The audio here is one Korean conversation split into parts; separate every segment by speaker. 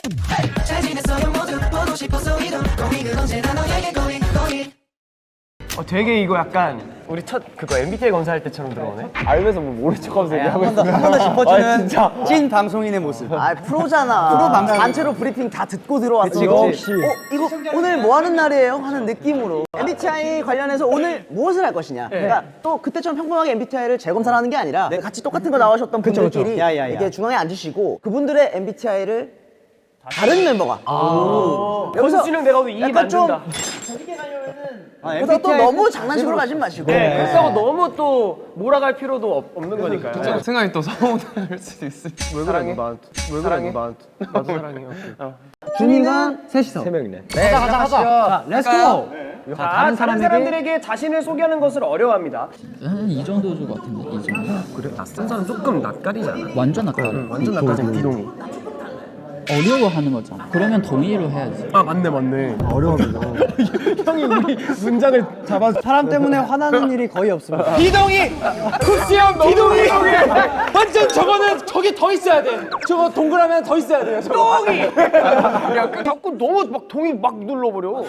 Speaker 1: 잘 지냈어요 모두 보고 싶어서 이런 고민은 언제나 너에게 고민
Speaker 2: 되게 이거 약간 우리 첫 그거 MBTI 검사할 때처럼 들어오네.
Speaker 3: 알면서 뭐 모른 척하면서 얘기하고 있어.
Speaker 4: 한 번 더 짚어주는
Speaker 2: 진짜.
Speaker 4: 찐 방송인의 모습.
Speaker 5: 아 프로잖아. 프로 방송. 단체로 브리핑 다 듣고 들어왔어.
Speaker 4: 역시.
Speaker 5: 이거 오늘 뭐 하는 날이에요? 하는 느낌으로. MBTI 관련해서 오늘 무엇을 할 것이냐. 그러니까 또 그때처럼 평범하게 MBTI를 재검사를 하는 게 아니라 같이 똑같은 거 나오셨던 분들끼리 이렇게 중앙에 앉으시고 그분들의 MBTI를 다른 멤버가.
Speaker 2: 권수랑 내가 오늘 이
Speaker 5: 약간 좀
Speaker 2: 만든다.
Speaker 5: 그래서 또 너무 장난식으로 가진 마시고.
Speaker 2: 그렇다고 너무 또 몰아갈 필요도 없는 거니까요.
Speaker 3: 생각이 또 서운할 수도 있어.
Speaker 2: 왜 그래 너 나한테? 왜 그래 너 나한테? 나도 사랑해요.
Speaker 4: 준이가 셋이서.
Speaker 2: 세 명이네.
Speaker 4: 가자. 자, 렛츠고.
Speaker 2: 자, 다른 사람들에게 자신을 소개하는 것을 어려워합니다.
Speaker 6: 이 정도 줄 것 같은데 이 정도.
Speaker 2: 그래? 낯선 사람 조금 낯가리잖아.
Speaker 6: 완전 낯가려.
Speaker 2: 완전 낯가리잖아. 비동의.
Speaker 6: 어려워하는 거잖아. 그러면 동의로 해야지.
Speaker 2: 아 맞네. 어려워합니다. 형이 우리 문장을 잡아.
Speaker 4: 사람 때문에 화나는 일이 거의 없습니다.
Speaker 3: 비동이! 쿠시형 비동이! 완전 저거는 저기 더 있어야 돼. 저거 동그라미 더 있어야 돼요. 저거.
Speaker 2: 동의. 야, 자꾸 너무 막 동의 막 눌러버려.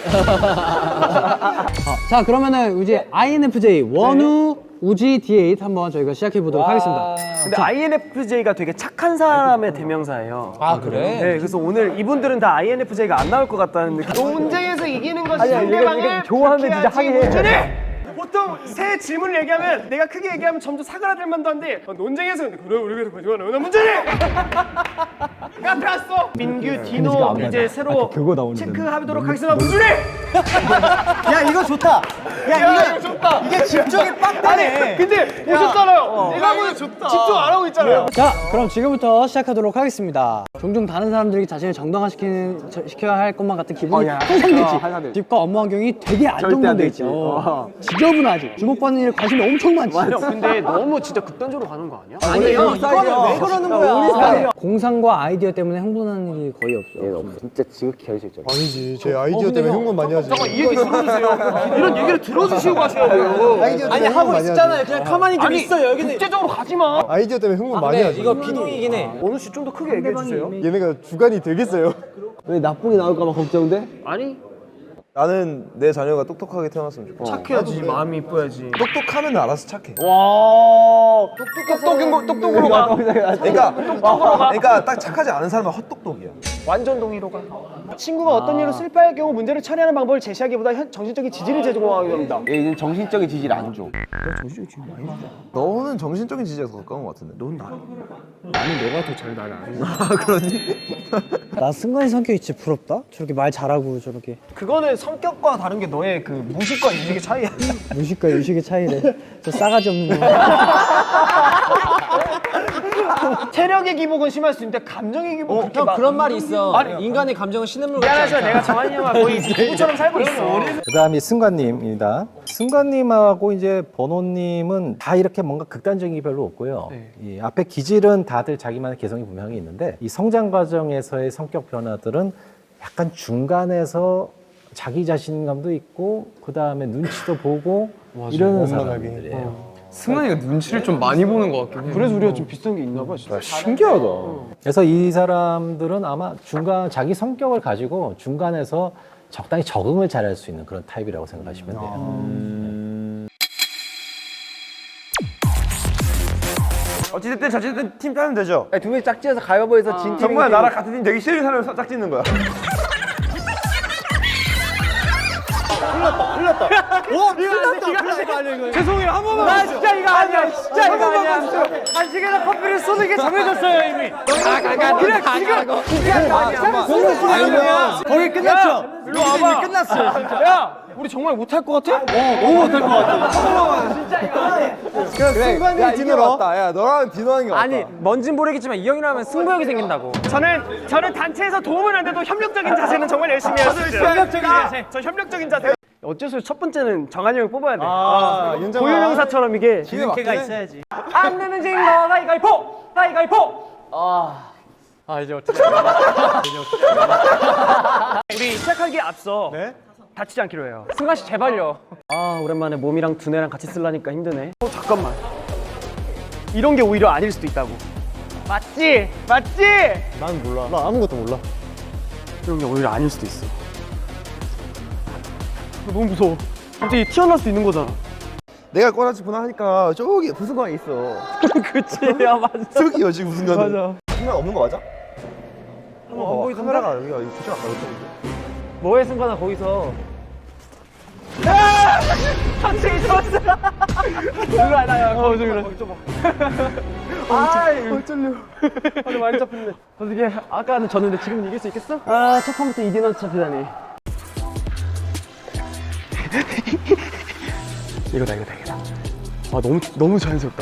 Speaker 4: 자, 그러면은 이제 INFJ 원우 우지 D8 한번 저희가 시작해 보도록 하겠습니다.
Speaker 2: 근데 INFJ가 되게 착한 사람의 대명사예요.
Speaker 3: 아 그래?
Speaker 2: 네, 그래서 오늘 이분들은 다 INFJ가 안 나올 것 같다는 느낌. 논쟁에서 이기는 것이 상대방을 좋아하면 진짜 하긴 해. 보통 새 질문을 얘기하면 내가 크게 얘기하면 점점 사그라들 만도 한데 논쟁에서 그래 우리 그래서 거짓말 왜 문제니? 카페 왔어. 민규, 디노 이제 새로 체크하도록 하겠습니다. 문준이!
Speaker 4: 야, 이거 좋다.
Speaker 2: 이거 좋다.
Speaker 4: 이게 집중이 빡 되네.
Speaker 2: 근데 보셨잖아요. 내가 오늘 집중 안 하고 있잖아요.
Speaker 4: 자, 그럼 지금부터 시작하도록 하겠습니다. 종종 다른 사람들에게 자신을 시켜야 할 것만 같은 기분이 항상 들지. 집과 업무 환경이 되게 안정돼 있죠. 지저분하지. 주목받는 일에 관심이 엄청 많지.
Speaker 2: 근데 너무 진짜 극단적으로 가는 거 아니야?
Speaker 5: 아니에요. 이거는 왜 그러는 거야?
Speaker 4: 우리 스타일이야. 공상과 아이디어 때문에 흥분하는 일이 거의 없어.
Speaker 5: 진짜 지극히 현실적.
Speaker 7: 아니지. 제 아이디어 때문에 흥분 많이 하지.
Speaker 2: 잠깐 이 얘기 들어주세요. 이런 얘기를 들어주시고 가셔야 돼요.
Speaker 7: 아이디어
Speaker 3: 아니
Speaker 7: 때문에
Speaker 3: 하고
Speaker 7: 흥분 많이
Speaker 3: 있었잖아요.
Speaker 7: 하지.
Speaker 3: 그냥 가만히 좀 있어요. 여기는.
Speaker 2: 국제적으로 가지 마.
Speaker 7: 아이디어 때문에 흥분 많이 하지.
Speaker 3: 이거 비동이긴 해.
Speaker 2: 원우 씨 좀 더 크게 얘기해 주세요.
Speaker 7: 얘네가 주관이 되겠어요?
Speaker 5: 왜 나쁘게 나올까봐 걱정돼?
Speaker 2: 아니
Speaker 8: 나는 내 자녀가 똑똑하게 태어났으면 좋겠어.
Speaker 2: 착해야지 마음이 이뻐야지.
Speaker 8: 똑똑하면 알아서 착해.
Speaker 2: 와 똑똑으로 가.
Speaker 8: 그러니까 딱 착하지 않은 사람은 헛똑똑이야.
Speaker 2: 완전 동의로 가. 친구가 어떤 일로 슬퍼할 경우 문제를 처리하는 방법을 제시하기보다 정신적인 지지를 제공하게 합니다.
Speaker 5: 얘는 정신적인 지지를 안 줘.
Speaker 8: 너는 정신적인 지지에 더 가까운 것 같은데. 넌 나.
Speaker 2: 나는 너가 더 잘 나를 아는 거야.
Speaker 4: 나 승관이 성격이 진짜 부럽다. 저렇게 말 잘하고 저렇게.
Speaker 2: 그거는 성격과 다른 게 너의 그 무식과 인식의 차이야.
Speaker 4: 무식과 유식의 차이래. 저 싸가지 없는 거.
Speaker 2: 체력의 기복은 심할 수 있는데 감정의 기복은 그렇게
Speaker 3: 형 그런 말이 있어.
Speaker 2: 아니,
Speaker 3: 인간의 감정은 신음물 같지
Speaker 2: 미안하지만
Speaker 3: 않다.
Speaker 2: 내가 정한이 형과 거의 부부처럼 살고 있어.
Speaker 9: 그다음이 승관님입니다. 승관님하고 이제 번호님은 다 이렇게 뭔가 극단적인 게 별로 없고요. 이 앞에 기질은 다들 자기만의 개성이 분명히 있는데 이 성장 과정에서의 성격 변화들은 약간 중간에서 자기 자신감도 있고 그 다음에 눈치도 보고 이러는 사람들이에요.
Speaker 3: 승관이가 눈치를 좀 많이 보는 것 같긴 해.
Speaker 2: 그래서 우리가 좀 비슷한 게 있나 봐. 진짜.
Speaker 8: 신기하다.
Speaker 9: 그래서 이 사람들은 아마 중간 자기 성격을 가지고 중간에서 적당히 적응을 잘할 수 있는 그런 타입이라고 생각하시면 돼요.
Speaker 8: 어찌됐든 팀 짜면 되죠.
Speaker 5: 두 명이 짝지어서 가위바위보해서 진 팀이
Speaker 8: 정말 나랑 같은 팀 되기 싫은 사람을 짝 짓는 거야.
Speaker 2: 죄송해요 한 번만. 나 진짜 이거 아니야. 진짜 이거 아니야. 간식에다 커피를 쏘는 게 정해졌어요 이미. 그래 지금
Speaker 4: 거기 끝났죠?
Speaker 2: 일로 와봐. 끝났어. 야 우리 정말 못할 것 같아? 너무 못할 것 같아. 진짜 이거 아니야.
Speaker 8: 승관이 디노로 왔다. 야 너랑 디노 하는 게 맞다.
Speaker 3: 아니 뭔진 모르겠지만 이 형이랑 하면 승부욕이 생긴다고.
Speaker 2: 저는 단체에서 도움은 안 돼도 협력적인 자세는 정말 열심히 해요. 협력적인 자세. 저 협력적인 자세. 어째서 첫 번째는 정한이 형을 뽑아야 돼. 고유명사처럼 이게
Speaker 4: 기회가 있어야지.
Speaker 2: 안 내는 징 너가 가위바위보 가위바위보.
Speaker 3: 이제 어떻게?
Speaker 2: 우리 시작하기에 앞서 다치지 않기로 해요.
Speaker 3: 승관 씨 제발요.
Speaker 2: 아 오랜만에 몸이랑 두뇌랑 같이 쓰려니까 힘드네. 잠깐만. 이런 게 오히려 아닐 수도 있다고. 맞지?
Speaker 7: 난 몰라. 나 아무것도 몰라.
Speaker 2: 이런 게 오히려 아닐 수도 있어. 너무 무서워. 갑자기 튀어나올 수 있는 거잖아.
Speaker 8: 내가 꺼라지구나 하니까 저기 부승관이 있어.
Speaker 2: 그치, 야 맞아.
Speaker 8: 저기요 지금 부승관은.
Speaker 2: 맞아.
Speaker 8: 카메라 없는 거 맞아?
Speaker 2: 안 보이던데?
Speaker 8: 카메라가 여기가 붙여 놨다 그랬는데.
Speaker 2: 뭐해 승관아 거기서. 삼층이 좋았어. 일로 와 나야. 저기 그래. 어쩔려. 아주 많이 잡혔네. 어떻게 아까는 졌는데 지금은 이길 수 있겠어? 아, 첫 판부터 2대0 잡히다니. 이거다. 아, 너무 자연스럽다.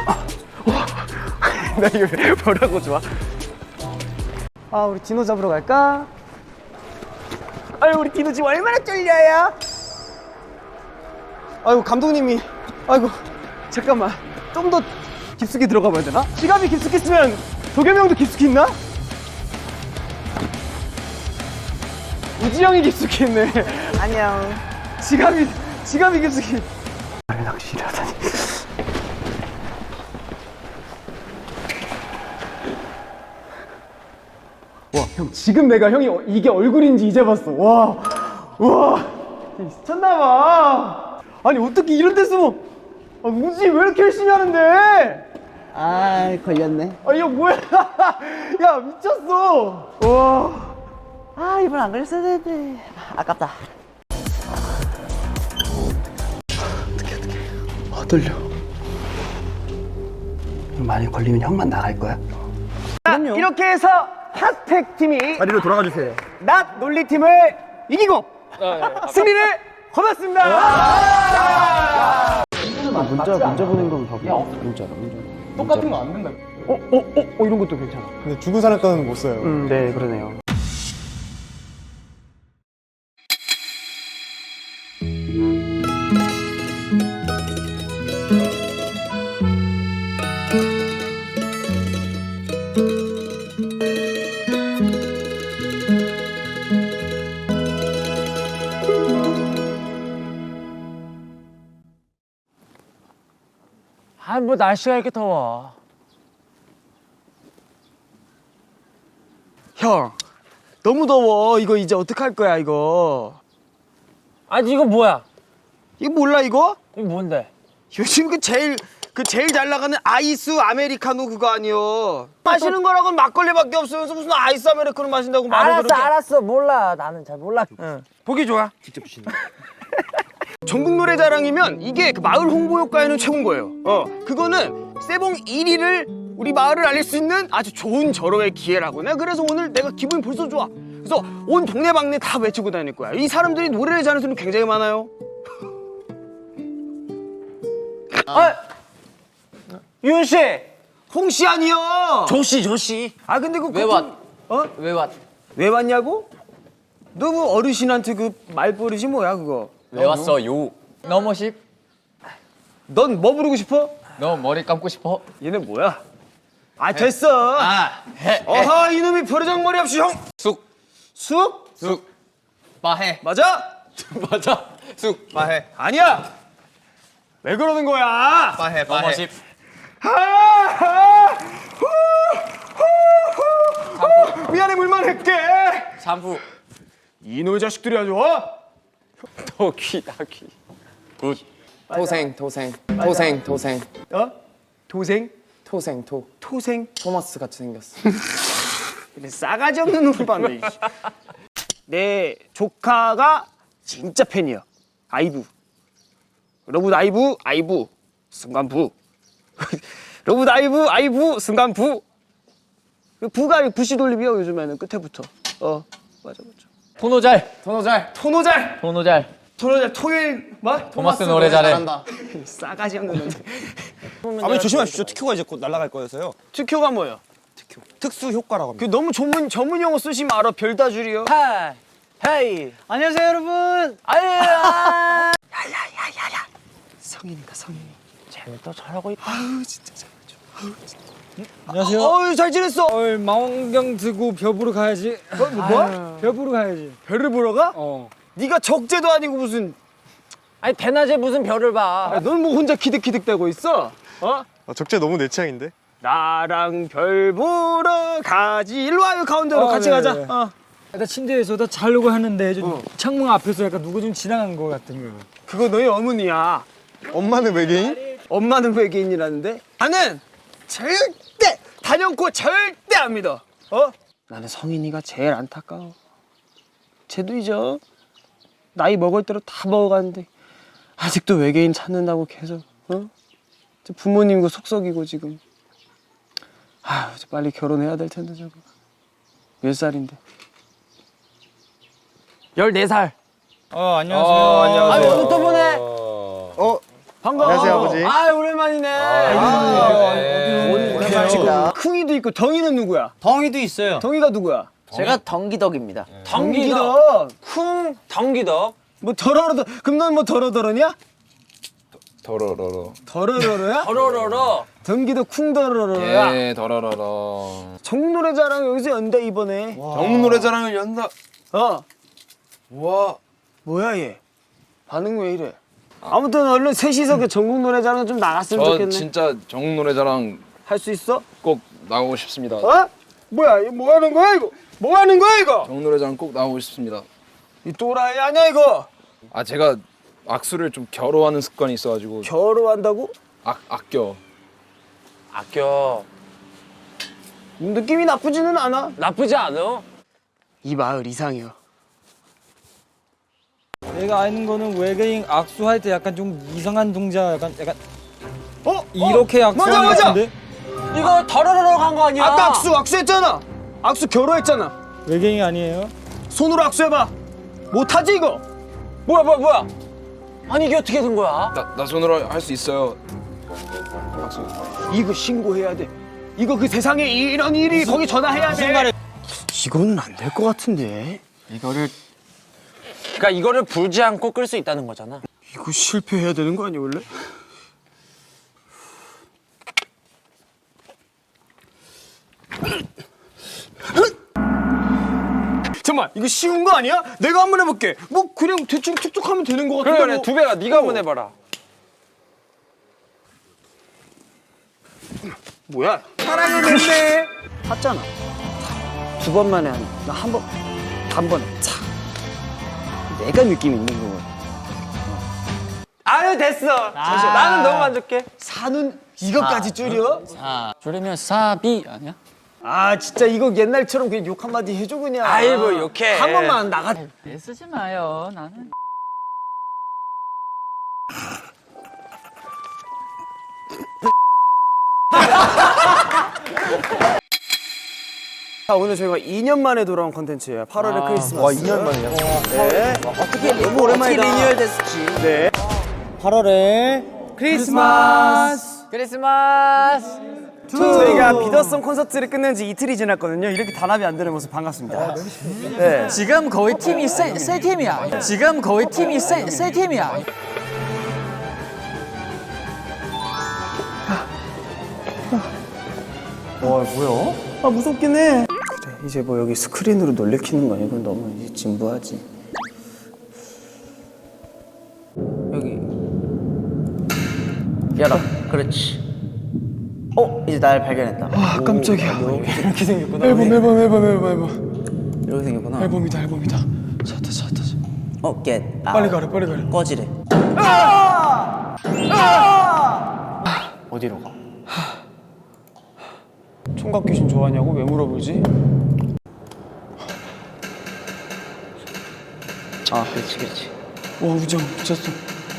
Speaker 2: 나 이거 뭐라고 좋아? 아, 우리 디노 잡으러 갈까? 아유, 우리 디노 지금 얼마나 쫄려요? 아이고, 감독님이. 아이고, 잠깐만. 좀 더 깊숙이 들어가 봐야 되나? 지갑이 깊숙이 있으면 도겸이 형도 깊숙이 있나? 우지 형이 깊숙이 있네. 안녕. 지갑이 깊숙이. 낚시를 하다니. 와, 형 지금 내가 형이 이게 얼굴인지 이제 봤어. 와, 미쳤나봐. 아니 어떻게 이런 데 숨어? 아, 우지 왜 이렇게 열심히 하는데?
Speaker 5: 아, 걸렸네.
Speaker 2: 아, 이거 뭐야? 야, 미쳤어. 와.
Speaker 5: 아, 이번 안 걸렸어야 되는데. 아깝다.
Speaker 2: 아, 떨려. 만약 걸리면 형만 나갈 거야?
Speaker 5: 그럼요.
Speaker 2: 이렇게 해서 핫팩 팀이
Speaker 8: 자리로 돌아가 주세요.
Speaker 2: 낫 논리팀을 이기고 승리를 거뒀습니다. 문자 보낸 건 봐봐. 문자로.
Speaker 7: 똑같은 거 안 된다.
Speaker 2: 이런 것도 괜찮아.
Speaker 7: 근데 죽은 사람 거는 못 써요.
Speaker 2: 네, 그러네요.
Speaker 3: 뭐 날씨가 이렇게 더워.
Speaker 2: 형, 너무 더워. 이거 이제 어떡할 거야, 이거.
Speaker 3: 아니 이거 뭐야?
Speaker 2: 이거 몰라, 이거?
Speaker 3: 이거 뭔데?
Speaker 2: 요즘 제일 잘 나가는 아이스 아메리카노 그거 아니요. 마시는 거라고는 막걸리밖에 없으면서 무슨 아이스 아메리카노 마신다고 말을 그렇게.
Speaker 3: 알았어. 몰라. 나는 잘 몰라.
Speaker 2: 보기 좋아. 직접 주시는. 전국 노래자랑이면 이게 그 마을 홍보 효과에는 최고인 거예요. 그거는 세봉 1위를 우리 마을을 알릴 수 있는 아주 좋은 절호의 기회라고. 그래서 오늘 내가 기분이 벌써 좋아. 그래서 온 동네방네 다 외치고 다닐 거야. 이 사람들이 노래를 잘하는 사람이 굉장히 많아요. 윤 씨, 홍 씨 아니요. 조씨. 아 근데 왜 왔? 왜 왔냐고? 너 그 어르신한테 그 말버릇이 뭐야 그거?
Speaker 10: 왜 왔어요? 너무 싶?
Speaker 2: 넌 뭐 부르고 싶어?
Speaker 10: 너 머리 감고 싶어?
Speaker 2: 얘네 뭐야? 아 됐어.
Speaker 10: 해.
Speaker 2: 어허 이놈이 버르장머리 없이 형.
Speaker 10: 쑥. 마해.
Speaker 2: 맞아?
Speaker 10: 맞아. 쑥.
Speaker 2: 마해. 아니야. 왜 그러는 거야?
Speaker 10: 마해. 너무 싶.
Speaker 2: 미안해 물만 할게.
Speaker 10: 샴푸.
Speaker 2: 이놈의 자식들이 아주.
Speaker 10: 도귀. 굿. 토생.
Speaker 2: 도생? 토생?
Speaker 10: 토마스 같이 생겼어.
Speaker 2: 그래, 싸가지 없는 놈을 봤네. 내 조카가 진짜 팬이야. 아이브. 러브 아이브 순간부. 러브 아이브 순간부. 그 부가 부시 돌림이요 요즘에는 끝에부터. 맞아.
Speaker 10: 토노잘.
Speaker 2: 토요일 뭐?
Speaker 10: 토마스 노래 잘해.
Speaker 2: 싸가지 없는 놈들.
Speaker 8: 아버님 조심하십시오. 특효가 이제 곧 날아갈 거여서요.
Speaker 2: 특효가 뭐예요?
Speaker 8: 특수 효과라고 합니다.
Speaker 2: 그 너무 전문 용어 쓰시면 알아. 별다줄이요.
Speaker 3: 헤이.
Speaker 4: 안녕하세요, 여러분.
Speaker 2: 야야야야야. 성인이다 성인이.
Speaker 3: 쟤는 또 잘하고 있다.
Speaker 2: 아우 진짜 잘하죠. 아우 진짜.
Speaker 4: 안녕하세요.
Speaker 2: 어우 잘 지냈어.
Speaker 4: 망원경 들고 별 보러 가야지.
Speaker 2: 뭐?
Speaker 4: 별 보러 가야지.
Speaker 2: 별을 보러 가? 네가 적재도 아니고 무슨.
Speaker 3: 아니 대낮에 무슨 별을 봐.
Speaker 2: 넌 뭐 혼자 키득키득대고 있어?
Speaker 7: 적재 너무 내 취향인데?
Speaker 2: 나랑 별 보러 가지. 일로 와요 가운데로 같이 가자.
Speaker 3: 나 침대에서 나 자려고 하는데 좀 창문 앞에서 약간 누구 좀 지나간 거 같은 거.
Speaker 2: 그거 너희 어머니야.
Speaker 7: 엄마는 외계인?
Speaker 2: 엄마는 외계인이라는데? 나는 절대 단연코 절대 안 믿어. 나는 성인이가 제일 안타까워. 쟤도 이제 나이 먹을 대로 다 먹어가는데 아직도 외계인 찾는다고 계속 부모님과 속썩이고 지금. 아휴, 빨리 결혼해야 될 텐데 저거. 몇 살인데?
Speaker 3: 14살.
Speaker 10: 안녕하세요.
Speaker 2: 아유, 또 보네. 반가워.
Speaker 7: 안녕하세요, 아버지.
Speaker 2: 아, 오랜만이네.
Speaker 5: 오랜만입니다.
Speaker 2: 쿵이도 있고 덩이는 누구야?
Speaker 4: 덩이도 있어요.
Speaker 2: 덩이가 누구야?
Speaker 5: 제가 덩기덕입니다.
Speaker 2: 덩기덕. 쿵 덩기덕. 뭐 더러러더. 그럼 넌 뭐 더러더러냐?
Speaker 7: 더러러러.
Speaker 2: 더러러러야? 더러러러. 덩기덕 쿵 더러러야.
Speaker 10: 예, 더러러러.
Speaker 2: 전국노래자랑 여기서 연다 이번에.
Speaker 10: 전국노래자랑을 연다.
Speaker 2: 와. 뭐야 얘? 반응 왜 이래? 아무튼 얼른 셋이서 그 전국노래자랑 좀 나갔으면 좋겠네.
Speaker 10: 진짜 전국노래자랑
Speaker 2: 할 수 있어?
Speaker 10: 꼭 나오고 싶습니다.
Speaker 2: 뭐야 이거 뭐 하는 거야 이거? 뭐 하는 거야 이거?
Speaker 10: 전국노래자랑 꼭 나오고 싶습니다.
Speaker 2: 이 또라이 아니야 이거?
Speaker 10: 제가 악수를 좀 겨루하는 습관이 있어가지고.
Speaker 2: 결혼한다고?
Speaker 10: 아껴.
Speaker 2: 느낌이 나쁘지는 않아.
Speaker 3: 나쁘지 않아.
Speaker 2: 이 마을 이상해요.
Speaker 3: 내가 아는 거는 외계인 악수할 때 약간 좀 이상한 동작 약간 이렇게 악수하는 거
Speaker 2: 맞아.
Speaker 3: 같은데?
Speaker 2: 이거 더러러러 간 거 아니야? 아까 악수했잖아. 악수 결혼했잖아.
Speaker 3: 외계인 아니에요?
Speaker 2: 손으로 악수해봐. 못하지 이거? 뭐야? 아니 이게 어떻게 된 거야?
Speaker 10: 나 손으로 할 수 있어요. 악수.
Speaker 2: 이거 신고해야 돼. 이거 그 세상에 이런 일이 거기 전화해야 돼. 이거는 안 될 것 같은데.
Speaker 3: 그러니까 이거를 불지 않고 끌 수 있다는 거잖아.
Speaker 2: 이거 실패해야 되는 거 아니야 원래? 잠깐만 이거 쉬운 거 아니야? 내가 한번 해볼게. 뭐 그냥 대충 툭툭 하면 되는 거 같은데.
Speaker 3: 그래, 두 배가 네가 한번 해봐라.
Speaker 2: 뭐야? 사랑을 냈네. 탔잖아. 두 번 만에 하는. 나 한 번, 단번에 차. 내가 느낌 있는 거. 아유 됐어. 나는 너무 만족해. 사는 이것까지 줄여?
Speaker 6: 줄이면 사비 아니야?
Speaker 2: 아 진짜 이거 옛날처럼 그냥 욕 한마디 해줘 그냥.
Speaker 3: 아이, 뭐 욕해.
Speaker 2: 한 번만 나가.
Speaker 6: 애쓰지 마요. 나는.
Speaker 2: 자, 오늘 저희가 2년 만에 돌아온 컨텐츠예요. 8월의 크리스마스. 와 2년 만이야? 네.
Speaker 5: 어떻게 너무 오랜만이다. 리뉴얼 됐을지.
Speaker 2: 네.
Speaker 3: 8월에 크리스마스.
Speaker 2: 저희가 비더송 콘서트를 끝낸 지 이틀이 지났거든요. 이렇게 단합이 안 되는 모습 반갑습니다. 네.
Speaker 6: 지금 거의 팀이 세 팀이야. 지금 거의 팀이 세 팀이야.
Speaker 2: 아 무섭긴 해. 그래 이제 뭐 여기 스크린으로 놀래키는 거 아니고 너무 이제 진부하지.
Speaker 5: 여기 열어. 그렇지. 이제 날 발견했다.
Speaker 2: 아 깜짝이야. 이렇게 생겼구나. 앨범.
Speaker 5: 이렇게 생겼구나.
Speaker 2: 앨범이다. 찾다.
Speaker 5: 겟.
Speaker 2: 빨리 가래.
Speaker 5: 꺼지래.
Speaker 2: 어디로 가? 총각 귀신 좋아하냐고 왜 물어보지?
Speaker 5: 그렇지.
Speaker 2: 와 우정 미쳤어.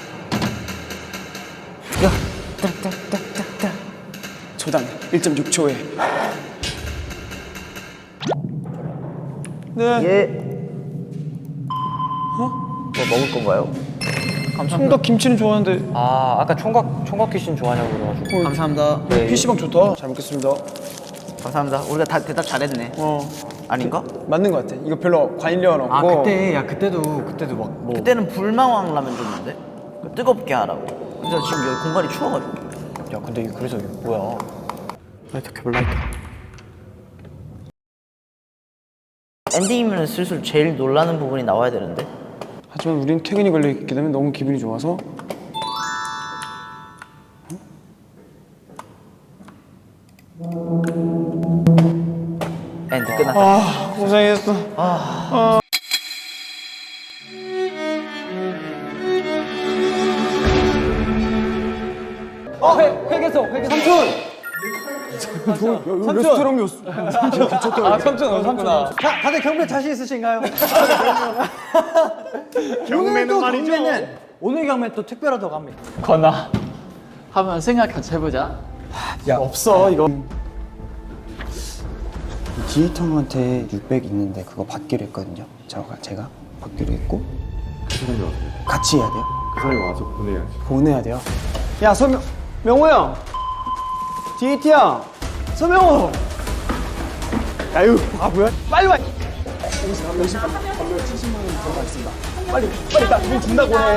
Speaker 2: 야, 딱딱딱딱딱. 초당 1.6초에. 네.
Speaker 5: 얘. 뭐 먹을 건가요?
Speaker 2: 총각 김치는 좋아하는데.
Speaker 4: 아까 총각 귀신 좋아하냐고 그래가지고.
Speaker 5: 감사합니다.
Speaker 2: PC방 좋다. 잘 먹겠습니다.
Speaker 5: 감사합니다. 우리가 다 대답 잘했네. 아닌가?
Speaker 2: 맞는 것 같아. 이거 별로 관련 없고.
Speaker 4: 그때도 막 뭐.
Speaker 5: 그때는 불망왕 라면 줬는데 뜨겁게 하라고. 그래서 지금 여기 공간이 추워가지고.
Speaker 4: 야 근데 그래서 이거 뭐야?
Speaker 2: 라이터 켜볼 라이터.
Speaker 5: 엔딩이면 슬슬 제일 놀라는 부분이 나와야 되는데.
Speaker 2: 하지만 우린 퇴근이 걸려있기 때문에 너무 기분이 좋아서.
Speaker 6: 엔드 끝났다.
Speaker 2: 고생했어.
Speaker 4: 회계소 삼촌. 자, 다들 경매 자신 있으신가요?
Speaker 2: 경매는 말이죠.
Speaker 4: 오늘 경매 또 특별하다고 합니다.
Speaker 6: 건아, 한번 생각 같이 해보자.
Speaker 2: 없어 이거.
Speaker 11: 디지털 형한테 600 있는데 그거 받기로 했거든요. 제가 받기로 했고 같이 해야 돼요?
Speaker 8: 그 사람이 와서 보내야지.
Speaker 11: 보내야 돼요?
Speaker 2: 야 명호 형. DAT야. 서명호. 아유 바보야. 빨리 와. 빨리 나돈 준다고 해.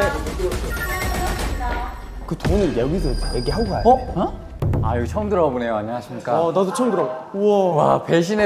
Speaker 11: 그 돈을 여기서 얘기하고 가야 돼.
Speaker 6: 아, 여기 처음 들어와 보네요. 안녕하십니까.
Speaker 2: 나도 처음 들어. 우와.
Speaker 6: 와, 배신.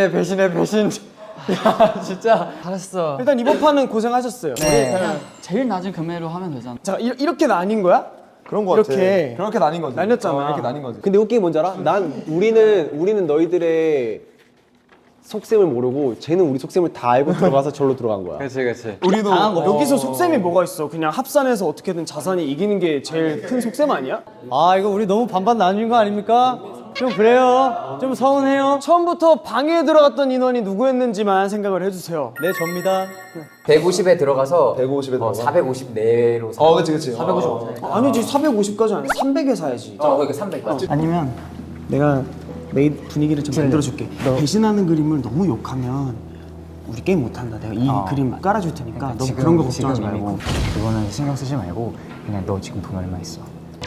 Speaker 6: 야, 진짜 잘했어.
Speaker 2: 일단 이번 판은 고생하셨어요.
Speaker 6: 그냥 제일 낮은 금액으로 하면 되잖아.
Speaker 2: 자 이렇게 나뉜 거야?
Speaker 8: 그런 거 같아.
Speaker 2: 이렇게.
Speaker 8: 그렇게 나뉜 거지.
Speaker 2: 나뉘었잖아.
Speaker 8: 이렇게 나뉜 거지.
Speaker 12: 근데 웃긴 게 뭔지 알아? 우리는 너희들의 속셈을 모르고 쟤는 우리 속셈을 다 알고 들어가서 절로 들어간 거야.
Speaker 6: 그렇지.
Speaker 2: 우리도 여기서 속셈이 뭐가 있어? 그냥 합산해서 어떻게든 자산이 이기는 게 제일 큰 속셈 아니야?
Speaker 4: 아, 이거 우리 너무 반반 나뉜 거 아닙니까? 좀 그래요. 좀 서운해요.
Speaker 2: 처음부터 방에 들어갔던 인원이 누구였는지만 생각을 해주세요.
Speaker 4: 네, 접니다.
Speaker 6: 150에 들어가서
Speaker 8: 150에 들어가.
Speaker 6: 450 내로 사.
Speaker 8: 그치.
Speaker 6: 450.
Speaker 2: 아니지 450까지 아니야. 300에 사야지.
Speaker 6: 그러니까 300까지.
Speaker 11: 아니면 내가 메인 분위기를 좀 만들어줄게. 배신하는 그림을 너무 욕하면 우리 게임 못한다. 내가 이 그림 깔아줄 테니까 너 그런 거 걱정하지 말고 그거는 신경 쓰지 말고 그냥 너 지금 돈 얼마 있어?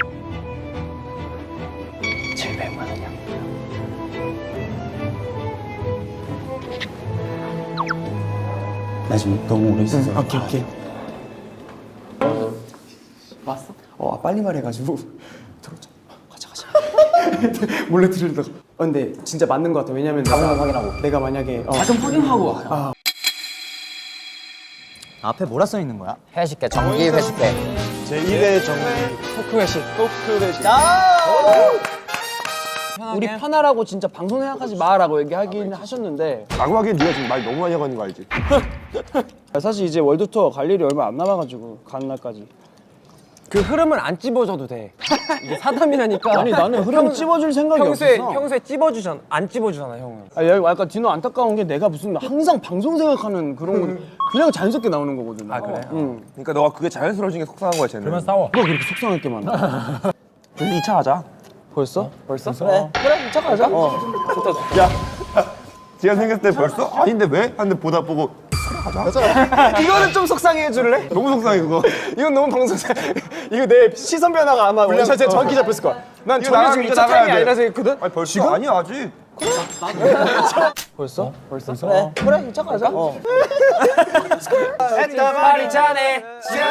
Speaker 11: 700만 원이야. 나 지금 너무 오래 있어서. 오케이.
Speaker 6: 왔어?
Speaker 11: 빨리 말해가지고 들어오자. 가자. 몰래 들으려다가.
Speaker 2: 근데 진짜 맞는 것 같아. 왜냐면 내가 만약에
Speaker 6: 좀 확인하고 와.
Speaker 5: 앞에 뭐라 써 있는 거야?
Speaker 6: 회식회, 정기 회식회.
Speaker 8: 제1회 정리.
Speaker 2: 토크 회식. 우리 편하라고 진짜 방송 생각하지 마라고 얘기하긴 하셨는데
Speaker 8: 라고 하기엔 네가 지금 말 너무 많이 하고 있는 거 알지?
Speaker 2: 사실 이제 월드 투어 갈 일이 얼마 안 남아가지고 가는 날까지. 그 흐름은 안 찝어줘도 돼. 이게 사담이라니까. 아니 나는 흐름 찝어줄 생각이 없어.
Speaker 3: 평소에 찝어주잖아. 안 찝어주잖아, 형은.
Speaker 2: 아, 여기 약간 디노 안타까운 게 내가 무슨 항상 방송 생각하는 그런 거 그냥 자연스럽게 나오는 거거든. 아 그래? 응.
Speaker 8: 그러니까 너가 그게 자연스러워진 게 속상한 거야, 쟤는. 그러면
Speaker 2: 뭐가 그렇게 속상할 게 많아?
Speaker 8: 우리 2차 하자.
Speaker 2: 벌써? 그래. 그래, 2차 가자.
Speaker 8: 야, 지가 생겼을 때 벌써? 아닌데 왜? 하는데 보다 보고
Speaker 2: 이거는 좀 속상해 해줄래?
Speaker 8: 너무 속상해 그거.
Speaker 2: 이건 너무 방송사. 이거 내 시선 변화가 아마 원샷에 정확히 잡혔을 거야. 난
Speaker 8: 이거
Speaker 2: 전혀 지금
Speaker 8: 나가야
Speaker 2: 2차 타임이
Speaker 8: 돼.
Speaker 2: 아니라 생각했거든?
Speaker 8: 아니 벌써? 지금? 아니야 아직.
Speaker 2: 벌써? 그래. 그래, 2차 가자.
Speaker 3: 파리 자네.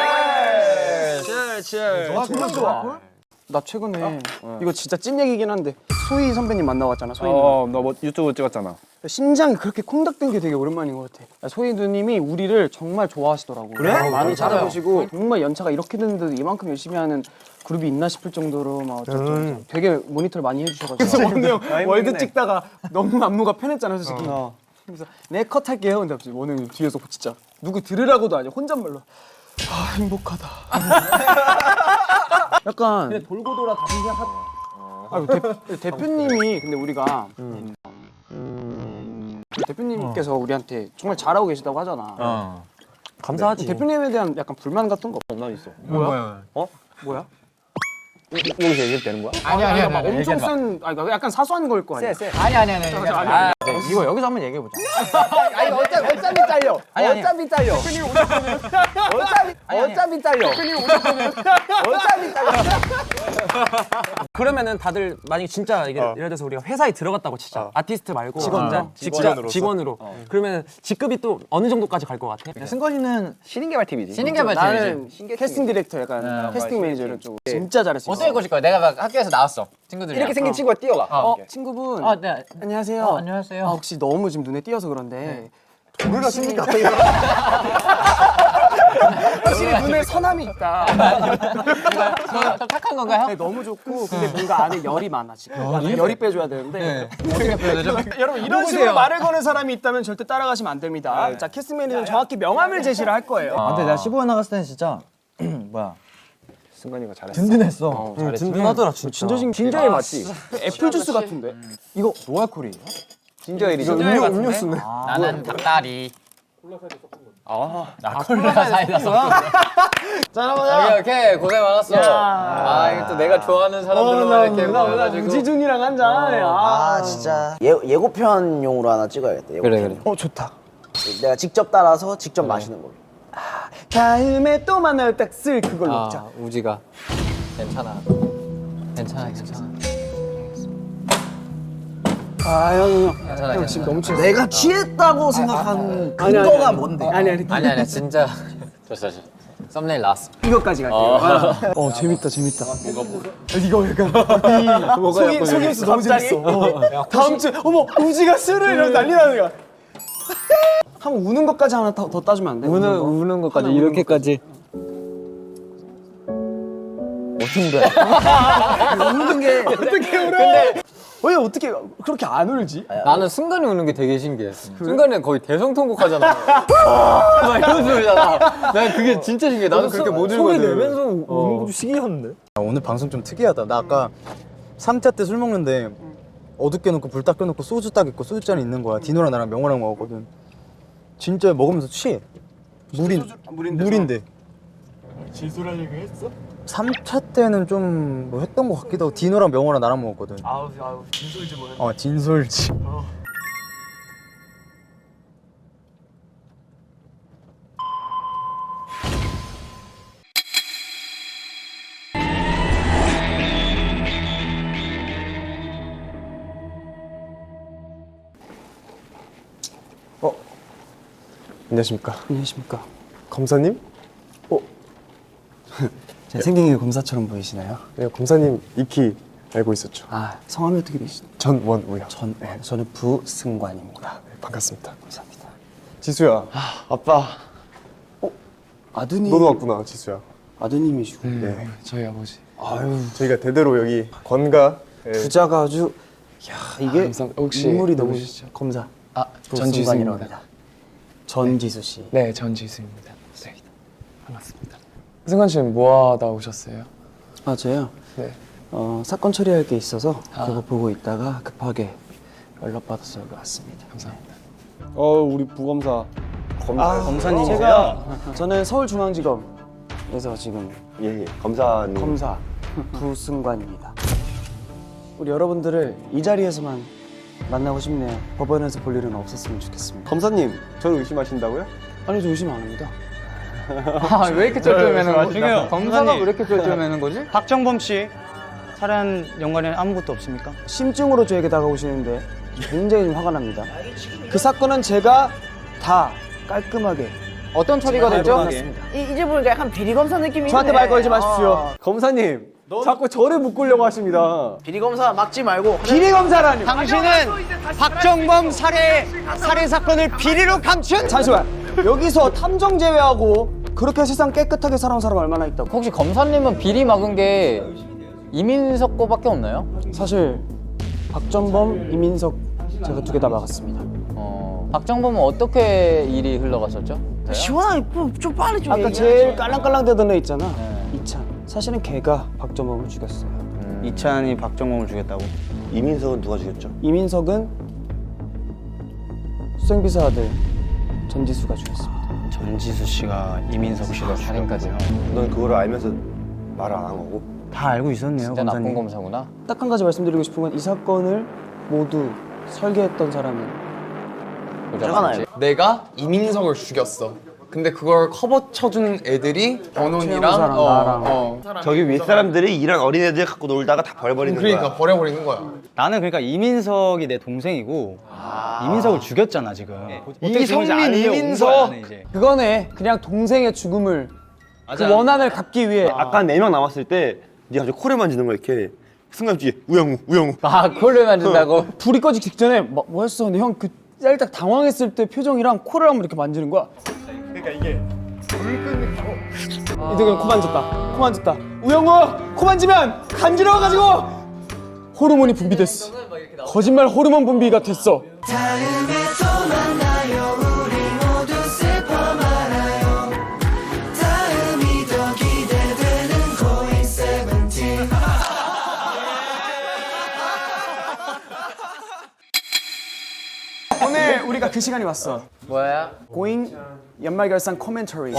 Speaker 2: 정말 좋아. 나 최근에 이거 진짜 찐 얘기긴 한데 소희 선배님 만나왔잖아. 소희
Speaker 7: 너 뭐 유튜브 찍었잖아.
Speaker 2: 심장이 그렇게 콩닥된 게 되게 오랜만인 것 같아. 소희 누님이 우리를 정말 좋아하시더라고. 그래? 많이 찾아보시고 정말 연차가 이렇게 됐는데도 이만큼 열심히 하는 그룹이 있나 싶을 정도로 막 어쩌고 되게 모니터를 많이 해주셔가지고. 그래서 원우 형 월드 찍다가 너무 안무가 편했잖아 솔직히. 그래서 내 컷 할게요. 근데 갑자기 원우 형 뒤에서 진짜 누구 들으라고도 아니야 혼잣말로. 아 행복하다. 약간 그냥 돌고 돌아 다시 대표님이 근데 우리가 대표님께서 우리한테 정말 잘하고 계시다고 하잖아.
Speaker 3: 감사하지.
Speaker 2: 대표님에 대한 약간 불만 같은 거 없나 있어? 뭐야? 뭐야?
Speaker 12: 여기서 얘기해도 되는 거야?
Speaker 2: 아니야. 막 엄청 쓴 약간 사소한 걸 거 아니야?
Speaker 6: 아니.
Speaker 3: 이거 여기서 한번 얘기해보자.
Speaker 2: 아니 어차피 잘려. 어차피 잘려. 어차피 잘려.
Speaker 3: 그러면은 다들 만약에 진짜 예를 들어서 우리가 회사에 들어갔다고 치자. 아티스트 말고 직원으로. 그러면 직급이 또 어느 정도까지 갈 것 같아?
Speaker 6: 승건이는
Speaker 12: 신인개발팀이지.
Speaker 6: 신인개발팀이지.
Speaker 2: 나는 캐스팅 디렉터 약간 캐스팅 매니저 이런 쪽. 진짜 잘했어.
Speaker 6: 어떻게 꼬실 거야? 내가 막 학교에서 나왔어. 친구들이랑.
Speaker 12: 이렇게 생긴 친구가 뛰어가.
Speaker 2: 친구분.
Speaker 6: 네.
Speaker 2: 안녕하세요.
Speaker 6: 안녕하세요.
Speaker 2: 혹시 너무 지금 눈에 띄어서 그런데
Speaker 8: 우리가 씁니까?
Speaker 2: 확실히 눈에 선함이 있다.
Speaker 6: 좀 착한 건가요?
Speaker 2: 네, 너무 좋고 근데 뭔가 안에 열이 많아 지금. 열이 빼줘야 되는데.
Speaker 6: 어떻게 표현하죠?
Speaker 2: 여러분 이런 식으로 말을 거는 사람이 있다면 절대 따라가시면 안 됩니다. 자 키스맨이는 정확히 명함을 제시를 할 거예요.
Speaker 11: 근데 내가 15회 나갔을 때는 진짜 뭐야
Speaker 7: 승관이가 잘했어.
Speaker 11: 든든했어.
Speaker 3: 든든하더라 진짜.
Speaker 2: 진저일 맞지? 애플 주스 같은데.
Speaker 11: 이거 노알콜이에요?
Speaker 7: 진저일이죠.
Speaker 2: 음료수네.
Speaker 6: 나는 닭다리. 나 콜라 사이다 섞어. 오케이 고생 많았어. 이거 또 내가 좋아하는 사람들만 이렇게 모여가지고.
Speaker 2: 우지준이랑 한잔.
Speaker 5: 아 진짜 예고편용으로 하나 찍어야겠다. 예고편.
Speaker 2: 어 좋다.
Speaker 5: 내가 직접 따라서 직접 마시는 걸로.
Speaker 2: 다음에 또 만나요 딱 쓸 그걸로 먹자.
Speaker 6: 우지가 괜찮아. 괜찮아.
Speaker 2: 형 지금 너무 취했어.
Speaker 5: 내가 취했다고 생각하는 근거가 뭔데?
Speaker 6: 아니 진짜. 좋았어. 썸네일 나왔어.
Speaker 2: 이거까지 갈게요. 재밌다. 이거 약간 속임수 너무 재밌어. 다음 주 어머 우지가 술을 이러면서 난리 나는 거야. 한번 우는 것까지 하나 더 따주면 안 돼?
Speaker 11: 우는 것까지 이렇게까지.
Speaker 5: 웃는 게
Speaker 2: 어떻게 울어? 왜 어떻게 그렇게 안 울지?
Speaker 6: 나는 순간이 우는 게 되게 신기해. 순간은 거의 대성통곡하잖아. 막 이런 소리잖아. 난 그게 진짜 신기해. 나는 그렇게 못 울거든.
Speaker 11: 내면서 우는 것도 신기한데. 오늘 방송 좀 특이하다. 나 아까 3차 때 술 먹는데 어둡게 놓고 불 딱 켜놓고 소주 딱 있고 소주잔이 있는 거야. 디노랑 나랑 명호랑 먹었거든. 진짜 먹으면서 취해. 물인데.
Speaker 2: 진솔한 얘기 했어?
Speaker 11: 3차 때는 좀 뭐 했던 것 같기도 하고 디노랑 명호랑 나랑 먹었거든.
Speaker 2: 아우 진솔지 뭐.
Speaker 11: 진솔지.
Speaker 7: 안녕하십니까.
Speaker 2: 안녕하십니까.
Speaker 7: 검사님?
Speaker 2: 제 생긴 게 검사처럼 보이시나요?
Speaker 7: 네, 검사님 익히 알고 있었죠.
Speaker 2: 성함이 어떻게 되시나요?
Speaker 7: 전원우요.
Speaker 2: 저는 부승관입니다.
Speaker 7: 네, 반갑습니다.
Speaker 2: 감사합니다.
Speaker 7: 지수야. 아빠.
Speaker 2: 아드님.
Speaker 7: 너도 왔구나, 지수야.
Speaker 2: 아드님이시고.
Speaker 7: 네.
Speaker 2: 저희 아버지.
Speaker 7: 저희가 대대로 여기 건가
Speaker 2: 부자가 아주 이게
Speaker 7: 혹시
Speaker 2: 인물이 너무
Speaker 7: 누구시죠?
Speaker 2: 검사.
Speaker 11: 전지수입니다.
Speaker 2: 전지수 씨.
Speaker 13: 네, 전지수입니다. 네. 반갑습니다. 승관 씨는 뭐 하다 오셨어요?
Speaker 2: 저요?
Speaker 13: 네.
Speaker 2: 사건 처리할 게 있어서 그거 보고 있다가 급하게 연락받아서 여기 왔습니다.
Speaker 13: 감사합니다.
Speaker 7: 우리 부검사.
Speaker 2: 검사님이세요? 저는 서울중앙지검에서 지금
Speaker 8: 예, 검사님.
Speaker 2: 검사 부승관입니다. 우리 여러분들을 이 자리에서만 만나고 싶네요. 법원에서 볼 일은 없었으면 좋겠습니다.
Speaker 8: 검사님, 저를 의심하신다고요?
Speaker 2: 아니 저 의심 안 합니다.
Speaker 6: 왜 이렇게 쩔쩔매는 거지? 검사가 왜 이렇게 쩔쩔매는 거지?
Speaker 11: 박정범 씨 살인 연관에는 아무것도 없습니까?
Speaker 2: 심증으로 저에게 다가오시는데 굉장히 화가 납니다. 그 사건은 제가 다 깔끔하게
Speaker 6: 어떤 처리가 됐죠?
Speaker 5: 이제 보니까 약간 비리 검사 느낌이
Speaker 2: 저한테
Speaker 5: 있네.
Speaker 2: 말 걸지 마십시오. 검사님 자꾸 저를 묶으려고 하십니다.
Speaker 5: 비리 검사 막지 말고
Speaker 2: 비리 검사라니.
Speaker 4: 당신은 박정범 살해 사건을 비리로 감춘
Speaker 2: 잠시만. 여기서 탐정 제외하고 그렇게 세상 깨끗하게 살아온 사람 얼마나 있다고.
Speaker 6: 혹시 검사님은 비리 막은 게 이민석 거밖에 없나요?
Speaker 2: 사실 박전범, 이민석 제가 두 개 다 막았습니다.
Speaker 6: 박정범은 어떻게 일이 흘러갔었죠?
Speaker 5: 시원하게 좀 빨리 좀
Speaker 2: 아까
Speaker 5: 얘기하지.
Speaker 2: 제일 깔랑깔랑대던 애 있잖아. 이찬. 사실은 걔가 박전범을 죽였어요.
Speaker 11: 이찬이 박정범을 죽였다고?
Speaker 8: 이민석은 누가 죽였죠?
Speaker 2: 이민석은 수생비서 아들 전지수가 죽였습니다.
Speaker 11: 전지수 씨가 이민석 씨가
Speaker 6: 살인까지.
Speaker 8: 넌 그거를 알면서 말을 안 한 거고?
Speaker 11: 다 알고 있었네요,
Speaker 6: 진짜 나쁜
Speaker 11: 검사님.
Speaker 6: 검사구나.
Speaker 2: 딱 한 가지 말씀드리고 싶은 건 이 사건을 모두 설계했던 사람은
Speaker 6: 제가 맞지?
Speaker 13: 내가 이민석을 죽였어. 근데 그걸 커버 쳐준 애들이 번온이랑
Speaker 2: 나랑.
Speaker 8: 저기 윗사람들이 이런 어린애들 갖고 놀다가 다 버려버리는
Speaker 13: 그러니까
Speaker 8: 거야.
Speaker 13: 버려버리는 거야.
Speaker 11: 나는 그러니까 이민석이 내 동생이고 이민석을 죽였잖아 지금.
Speaker 13: 이성민, 이민석.
Speaker 2: 그거네. 그냥 동생의 죽음을 그 원한을 갚기 위해.
Speaker 8: 아까 4명 남았을 때 네가 저 코를 만지는 거야 이렇게. 순간 뒤에 우영우.
Speaker 6: 코를 만진다고?
Speaker 2: 불이 꺼지기 직전에 뭐 했어? 근데 형 그 살짝 당황했을 때 표정이랑 코를 한번 이렇게 만지는 거야. 그러니까 이게 이동현 코 만졌다. 코 만졌다. 우영우 코 만지면 간지러워가지고 호르몬이 분비됐어. 거짓말 호르몬 분비가 됐어.
Speaker 1: 다음에 또 만나요 우리 모두 슬퍼 말아요 다음이 더 기대되는 고잉 세븐틴
Speaker 11: 오늘 우리가 그 시간이 왔어.
Speaker 13: 뭐야?
Speaker 11: 고잉 연말결산 코멘터리.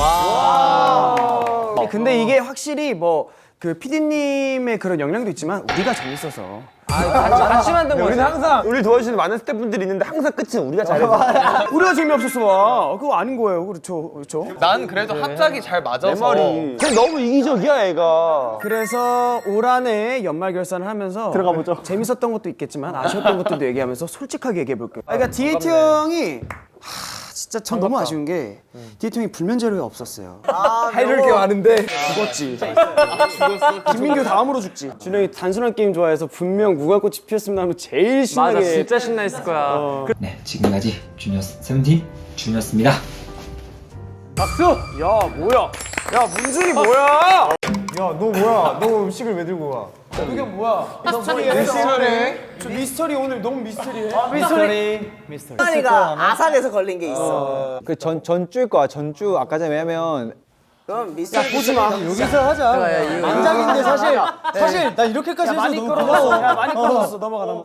Speaker 11: 근데 이게 확실히 뭐 그 PD님의 그런 역량도 있지만 우리가 재밌어서.
Speaker 3: 같이 만든 거지.
Speaker 8: 우리 도와주시는 많은 스태프분들이 있는데 항상 끝은 우리가 잘해서.
Speaker 11: 우리가 재미없었어. 그거 아닌 거예요. 그렇죠.
Speaker 13: 난 그래도 합작이 잘 맞아서.
Speaker 8: 내 말이. 쟤 너무 이기적이야 애가.
Speaker 11: 그래서 올 한해 연말 결산을 하면서 들어가 보죠. 재밌었던 것도 있겠지만 아쉬웠던 것들도 얘기하면서 솔직하게 얘기해 볼게요. 그러니까 디에이트 형이 진짜 전 너무 아쉬운 게 디에이트 형이 불면 재료가 없었어요.
Speaker 2: 해줄 게 많은데
Speaker 11: 죽었지. 김민규 다음으로 죽지. 준영이 단순한 게임 좋아해서 분명 무궁꽃이 피었으면 하면 제일 신나게.
Speaker 3: 맞아, 진짜 신나했을 거야.
Speaker 14: 네, 지금까지 주니어 세븐틴 준이었습니다.
Speaker 2: 박수! 야 뭐야? 야 문준이 뭐야?
Speaker 7: 야 너 뭐야? 너 음식을 왜 들고 가?
Speaker 2: 그게 뭐야? 미스터리. 저 미스터리 오늘 너무 미스터리해. 미스터리.
Speaker 5: 하니가 아산에서 걸린 게 있어.
Speaker 12: 그 전주일 거야. 전주 아까 전에 왜냐면
Speaker 5: 그럼 미스터리
Speaker 2: 보지 마.
Speaker 12: 여기서 하자. 안장인데 사실 나 이렇게까지 해서
Speaker 2: 많이
Speaker 12: 너무
Speaker 2: 끌어줬어.
Speaker 12: 고마워.
Speaker 2: 야 많이 끌어줬어. 넘어가.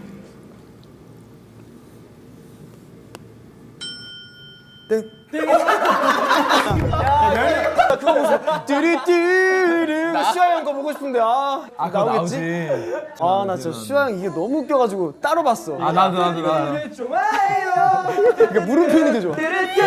Speaker 2: 그거 보세요. 뚜루뚜루 슈아 형 거 보고 싶은데 나오겠지? 아 나 진짜 슈아 형 이게 너무 웃겨가지고 따로 봤어. 아 나도. 그러니까 물음표 있는 게 좋아.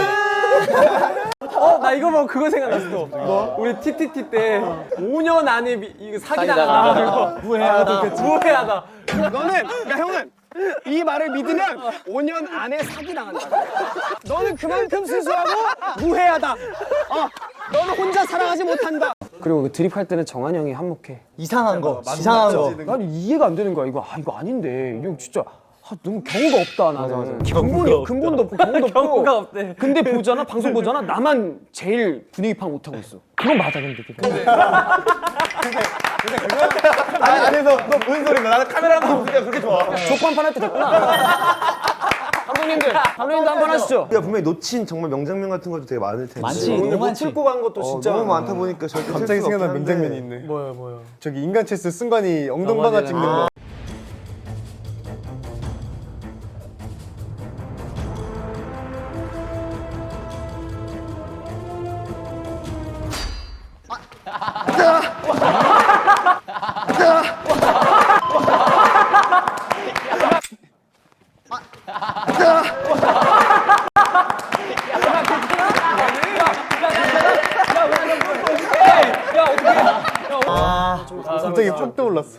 Speaker 3: 나 이거 보고 그거 생각났어. 뭐? 우리 TTT 때 5년 안에 이거 사기당한다. 무해하다.
Speaker 2: 그러니까 형은 이 말을 믿으면 5년 안에 사기당한다. 너는 그만큼 순수하고 무해하다. 너는 혼자 사랑하지 못한다. 그리고 그 드립할 때는 정한 형이 한몫해.
Speaker 12: 이상한 거.
Speaker 2: 난 이해가 안 되는 거야. 이거 아닌데. 이거 진짜 너무 경우가 없다 나는. 근본도 없고 경우가 없고.
Speaker 3: 없대.
Speaker 2: 근데 보잖아 방송 보잖아 나만 제일 분위기 파악 못하고 있어. 그건 맞아 근데.
Speaker 8: 아니 안에서 너 무슨 소리인가? 나는 카메라만 보니까 그렇게 좋아.
Speaker 2: 족판판 할 때 됐구나. 감독님들 한번 하시죠.
Speaker 8: 우리가 분명히 놓친 정말 명장면 같은 것도 되게 많을 텐데.
Speaker 2: 오늘 못 풀고 간 것도 진짜
Speaker 8: 너무 많다 보니까 절대
Speaker 7: 갑자기 생각난 명장면이 있네. 뭐야? 저기 인간 체스 승관이 엉덩방아 찍는 거. 갑자기 팍 떠올랐어.